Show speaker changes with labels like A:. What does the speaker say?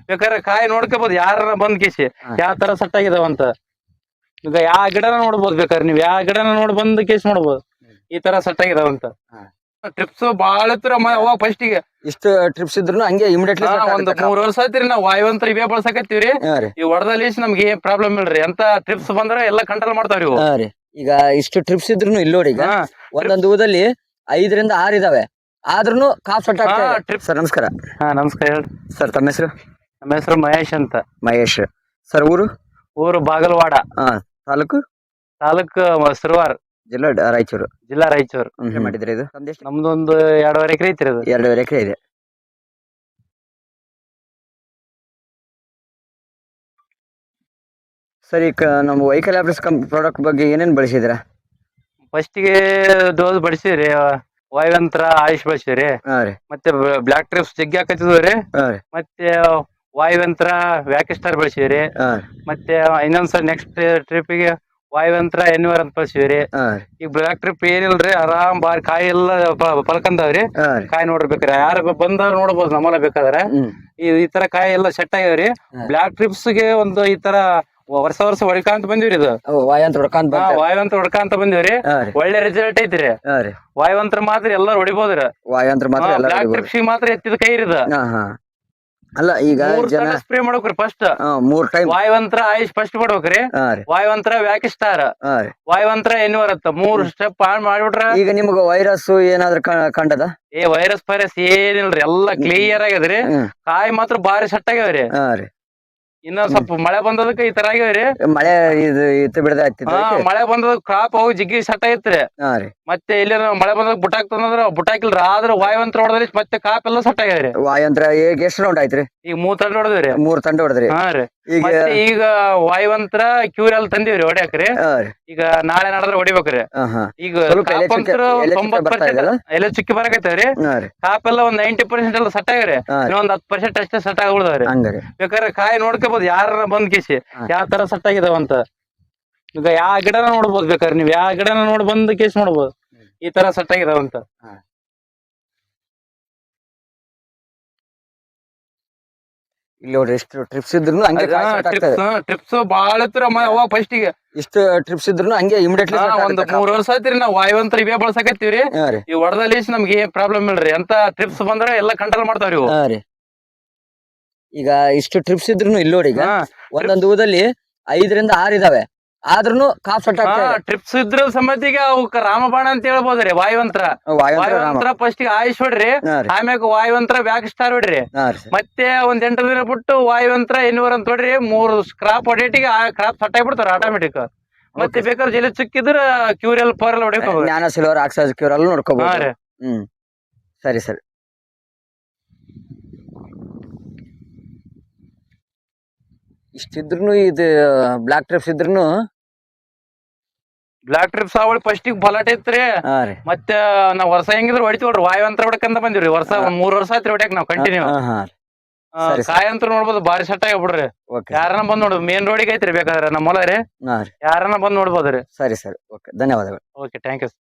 A: ಬೇಕಾದ್ರೆ ಕಾಯಿ ನೋಡ್ಕೋಬಹುದು ಯಾರ ಬಂದ್ ಕೇಸಿ ಯಾವ ತರ ಸೆಟ್ ಆಗಿದಾವಂತ. ಈಗ ಯಾವ ಗಿಡನ ನೋಡ್ಬೋದು, ಬೇಕಾದ್ರೆ ನೀವ್ ಯಾವ ಗಿಡನ ನೋಡಿ ಬಂದ್ ಕೇಸ್ ನೋಡ್ಬೋದು ಈ ತರ ಸೆಟ್ ಆಗಿದಾವಂತ. ಟ್ರಿಪ್ಸ್ ಬಾಳ ಅವಾಗ ಫಸ್ಟ್ ಗೆ
B: ಇಷ್ಟು ಟ್ರಿಪ್ಸ್ ಇದ್ರು ಹಂಗೆ ಇಮಿಡಿಯೇಟ್ಲಿ
A: ಒಂದ್ 3 ವರ್ಷ ಆಯ್ತಿರಿ ನಾವ್ ವಾಯುವಂತ್ರ ಇವೇ ಬಳಸಕತ್ತೀವ್ರಿ. ಈ ಹೊಡೆದಲ್ಲಿ ನಮ್ಗೆ ಏನ್ ಪ್ರಾಬ್ಲಮ್ ಇಲ್ರಿ, ಅಂತ ಟ್ರಿಪ್ಸ್ ಬಂದ್ರೆ ಎಲ್ಲಾ ಕಂಟ್ರೋಲ್ ಮಾಡ್ತಾವ್ರಿ ಇವು.
B: ಈಗ ಇಷ್ಟು ಟ್ರಿಪ್ಸ್ ಇದ್ರು ಇಲ್ಲಿ ನೋಡಿ, ಈಗ ಒಂದೊಂದು ಊದಲ್ಲಿ 5 ರಿಂದ 6 ಇದಾವೆ, ಆದ್ರೂ ಕಾಫ್ ಸೆಟ್ ಆಗ್ತದೆ. ಸರ್ ನಮಸ್ಕಾರ.
A: ನಮಸ್ಕಾರ ಹೇಳ್ರಿ
B: ಸರ್. ತಮ್ಮ ಹೆಸರು?
A: ನಮ್ಮ ಹೆಸರು ಮಹೇಶ್ ಅಂತ.
B: ಮಹೇಶ್. ಸರ್ ಊರು?
A: ಊರು ಬಾಗಲವಾಡ.
B: ತಾಲೂಕು?
A: ತಾಲೂಕು ಸಿರುವಾರ್,
B: ಜಿಲ್ಲಾ ರಾಯಚೂರು.
A: ಜಿಲ್ಲಾ ರಾಯಚೂರು.
B: ಮಾಡಿದ್ರೆ ಇದು
A: ನಮ್ದು ಒಂದು 2.5 ಎಕರೆ ಐತ್ರಿ. ಅದು
B: 2.5 ಎಕರೆ ಇದೆ. ಸರಿ, ನಮ್ಮ ವೆಹಿಕಲ್ ಆಫೀಸ್ ಪ್ರಾಡಕ್ಟ್ ಬಗ್ಗೆ ಏನೇನ್ ಬಳಸಿದಿರಾ?
A: ಫಸ್ಟ್ ಗೆ ಡೋಸ್ ಬಡಿಸಿರಿ, ವಾಯುವಂತ್ರ ಆಯುಷ್ ಬಳಸಿರಿ, ಮತ್ತೆ ಬ್ಲಾಕ್ ಟ್ರಿಪ್ಸ್ ಜಗ್ಗಿ ಹಾಕತ್ತಿದ್ರಿ, ಮತ್ತೆ ವಾಯುವಂತ್ರ ವ್ಯಾಕಿಸ್ಟಾರ್ ಬಳಸಿರಿ, ಮತ್ತೆ ಇನ್ನೊಂದ್ಸಲ ನೆಕ್ಸ್ಟ್ ಟ್ರಿಪ್ ಗೆ ವಾಯುವಂತ್ರ ಎನ್ವರ್ ಅಂತ ಬಳಸಿವ್ರಿ. ಈಗ ಬ್ಲಾಕ್ ಟ್ರಿಪ್ ಏನಿಲ್ರಿ, ಆರಾಮ್ ಬಾರಿ ಕಾಯಿ ಎಲ್ಲ ಪಲ್ಕಂದವ್ರಿ. ಕಾಯಿ ನೋಡ್ರಿ, ಯಾರ ಬಂದವ್ರು ನೋಡ್ಬೋದು ನಮ್ಮಲ್ಲ ಬೇಕಾದ್ರೆ. ಈ ತರ ಕಾಯಿ ಎಲ್ಲ ಸೆಟ್ ಆಗ್ಯಾವ್ರಿ. ಬ್ಲಾಕ್ ಟ್ರಿಪ್ಸ್ ಗೆ ಒಂದು ಈ ತರ ವರ್ಷ ಹೊಡ್ಕಂತ ಬಂದಿವ್ರಿ. ಇದು ವಾಯುವಂತ್ರ ಹೊಡ್ಕಂತ ಬಂದಿವ್ರಿ. ಒಳ್ಳೆ ರಿಸಲ್ಟ್ ಐತ್ರಿ. ವಾಯುವಂತ್ರ ಮಾತ್ರ ಎಲ್ಲಾರು ಹೊಡಿಬೋದ್ರಿ. ಬ್ಲಾಕ್ ಟ್ರಿಪ್ಸ್ ಮಾತ್ರ ಎತ್ತಿದ ಕೈ ಇರಿದ.
B: ಅಲ್ಲ, ಈಗ
A: ಸ್ಪ್ರೇ ಮಾಡ್ಬೇಕ್ರಿ. ಫಸ್ಟ್
B: 3 ಟೈಮ್
A: ವಾಯುವಂತ್ರ ಆಯುಷ್ ಫಸ್ಟ್ ಮಾಡ್ಬೇಕ್ರಿ. ವಾಯುವಂತ್ರ ವ್ಯಾಕಿಸ್ಟಾರ್, ವಾಯುವಂತ್ರ ಎನ್ವರ್ ಅಂತ 3 ಸ್ಟೆಪ್ ಆನ್ ಮಾಡ್ಬಿಟ್ರ.
B: ಈಗ ನಿಮ್ಗ ವೈರಸ್ ಏನಾದ್ರು ಕಂಡದ?
A: ವೈರಸ್ ಫೈರಸ್ ಏನಿಲ್ರಿ, ಎಲ್ಲಾ ಕ್ಲಿಯರ್ ಆಗ್ಯದ್ರಿ. ಕಾಯಿ ಮಾತ್ರ ಬಾರಿ ಸೆಟ್ ಆಗ್ಯಾವ್ರಿ. ಇನ್ನೊಂದ್ ಸ್ವಲ್ಪ ಮಳೆ ಬಂದದಕ್ಕೆ ಈ ತರ ಆಗ್ಯಾವ್ರಿ.
B: ಮಳೆ ಇತ್ತು ಬಿಡದ
A: ಮಳೆ ಬಂದದ ಕ್ರಾಪ್ ಹೋಗಿ ಜಿಗ್ಗಿ ಸೆಟ್ ಆಗೈತ್ರಿ. ಮತ್ತೆ ಇಲ್ಲಿ ಮಳೆ ಬಂದಾಗ ಬುಟ್ಟಾಕ್ತಂದ್ರ ಬುಟ್ಟಾಕಿಲ್ರಿ, ಆದ್ರ ವಾಯುವಂತ್ರ ಹೊಡೆದ್ರಿ ಮತ್ತೆ ಕಾಪ್ ಎಲ್ಲ ಸೆಟ್ ಆಗ್ಯಾವ್ರಿ.
B: ವಾಯುವಂತ್ರ ಈಗ ಎಷ್ಟು ರೌಂಡ್ ಆಯ್ತ್ರಿ?
A: ಈಗ 3 ತಂಡ ಹೊಡೆದ್ರಿ.
B: 3 ತಂಡ ಹೊಡೆದ್ರಿ.
A: ಈಗ ವಾಯುವಂತ್ರ ಕ್ಯೂರಲ್ ತಂದಿವ್ರಿ ಹೊಡ್ಯಾಕ್ರಿ. ಈಗ ನಾಳೆ ನಾಡದ್ರ ಹೊಡಿಬೇಕ್ರಿ. ಈಗ ಎಲ್ಲ ಚುಕ್ಕಿ ಬರಕೈತವ್ರಿ. ಕಾಪ್ ಎಲ್ಲ ಒಂದ್ 90% ಎಲ್ಲ ಸೆಟ್ ಆಗ್ಯಾವ್ರಿ. ಇನ್ನೊಂದ್ 10% ಅಷ್ಟೇ ಸೆಟ್ ಆಗ್ಬಿಡ್ದಾವ್ರಿ. ಬೇಕಾದ್ರೆ ಕಾಯಿ ನೋಡ್ಕೋಬಹುದು ಯಾರ ಬಂದ್ ಕೇಸಿ ಯಾವ ತರ ಸೆಟ್ ಆಗಿದಾವಂತ. ಈಗ ಯಾವ ಗಿಡನ ನೋಡ್ಬೋದು, ಬೇಕಾದ್ರೆ ನೀವ್ ಯಾವ ಗಿಡನ ನೋಡಿ ಬಂದ್ ಕೇಸ್ ನೋಡ್ಬೋದು ಈ ತರ ಸೆಟ್ ಆಗಿದಾವಂತ.
B: ಇಲ್ಲಿ ನೋಡ್ರಿ, ಎಷ್ಟು ಟ್ರಿಪ್ಸ್ ಇದ್ರು
A: ಟ್ರಿಪ್ಸ್ ಬಾಳ ಅವಾಗ ಫಸ್ಟ್ ಗೆ
B: ಇಷ್ಟು ಟ್ರಿಪ್ಸ್ ಇದ್ರು ಹಂಗೆ ಇಮಿಡಿಯೇಟ್ಲಿ
A: ಒಂದ್ 3 ವರ್ಷ ಆಯ್ತಿರಿ ನಾವ್ ವಾಯುವಂತ್ರ ಇವೇ ಬಳಸಕತ್ತೀವ್ರಿ. ಈ ಹೊಡೆದಲ್ಲಿ ನಮ್ಗೆ ಏನ್ ಪ್ರಾಬ್ಲಮ್ ಇಲ್ರಿ, ಅಂತ ಟ್ರಿಪ್ಸ್ ಬಂದ್ರೆ ಎಲ್ಲಾ ಕಂಟ್ರೋಲ್ ಮಾಡ್ತಾವ್ರಿ ಇವು.
B: ಈಗ ಇಷ್ಟು ಟ್ರಿಪ್ಸ್ ಇದ್ರು ಇಲ್ಲಿ ನೋಡಿ, ಈಗ ಒಂದೊಂದು ಊದಲ್ಲಿ 5 ರಿಂದ 6 ಇದಾವೆ, ಆದ್ರೂ ಕಾಫ್ ಸೆಟ್ ಆಗ್ತದೆ.
A: ಟ್ರಿಪ್ಸ್ ಇದ್ರ ಸಮೇತಿಗೆ ಅವಕ್ಕ ರಾಮಬಾಣ ಅಂತ ಹೇಳ್ಬೋದ್ರಿ. ವಾಯುವಂತ್ರ ಫಸ್ಟ್ ಗೆ ಆಯುಷ್ ಹೊಡ್ರಿ, ಆಮ್ಯಾಗ ವಾಯುವಂತ್ರ ವ್ಯಾಕಿಸ್ಟಾರ್ ಹೊಡ್ರಿ, ಮತ್ತೆ ಒಂದ್ 8 ದಿನ ಬಿಟ್ಟು ವಾಯುವಂತ್ರ ಎನ್ವರ್ ಅಂತ ಹೊಡ್ರಿ. 3 ಕ್ರಾಪ್ ಹೊಡೇಟಿಗೆ ಆ ಕ್ರಾಪ್ ಸೆಟ್ ಆಗ್ಬಿಡ್ತಾರ ಆಟೋಮೆಟಿಕ್. ಮತ್ತೆ ಬೇಕಾದ್ರೆ ಜಲ್ಲಿ ಚುಕ್ಕಿದ್ರ ಕ್ಯೂರಲ್ ಪವರ್ ಹೊಡಿಬೇಕು.
B: ಜ್ಞಾನ ಸಿಲ್ವರ್ ಆಕ್ಸೈಡ್ ಕ್ಯೂರಲ್ ನೋಡ್ಕೋಬಹುದು. ಸರಿ ಸರಿ. ಇಷ್ಟಿದ್ರು ಇದು ಬ್ಲಾಕ್ ಟ್ರಿಪ್ಸ್ ಇದ್ರು
A: ಬ್ಲಾಕ್ ಟ್ರಿಪ್ಸ್ ಅವಳಿ ಫಸ್ಟ್ ಗೆ ಬಲಾಟ್ ಐತ್ರಿ. ಮತ್ತೆ ನಾವ್ ವರ್ಷ ಹೆಂಗಿದ್ರು ಹೊಡಿತೀವ್ರಿ, ವಾಯುವಂತ್ರ ಹೊಡಕಂತ ಬಂದಿವ್ರಿ. ವರ್ಷ 3 ವರ್ಷ ಆಯ್ತ್ರಿ ಹೊಡ್ಯಾಕ ನಾವ್ ಕಂಟಿನ್ಯೂ. ಕಾಯಿ ಅಂತ ನೋಡ್ಬೋದು ಬಾರಿ ಸೆಟ್ ಆಗ್ಬಿಡ್ರಿ. ಯಾರನ್ನ ಬಂದ್ ನೋಡ್ಬೋದು, ಮೇನ್ ರೋಡಿಗೆ ಐತ್ರಿ. ಬೇಕಾದ್ರೆ ನಮ್ಮ ಹೊಲ ರೀ, ಯಾರನ್ನ ಬಂದ್ ನೋಡ್ಬೋದ್ರಿ.
B: ಸರಿ ಸರಿ, ಓಕೆ, ಧನ್ಯವಾದಗಳು.
A: Okay, thank you.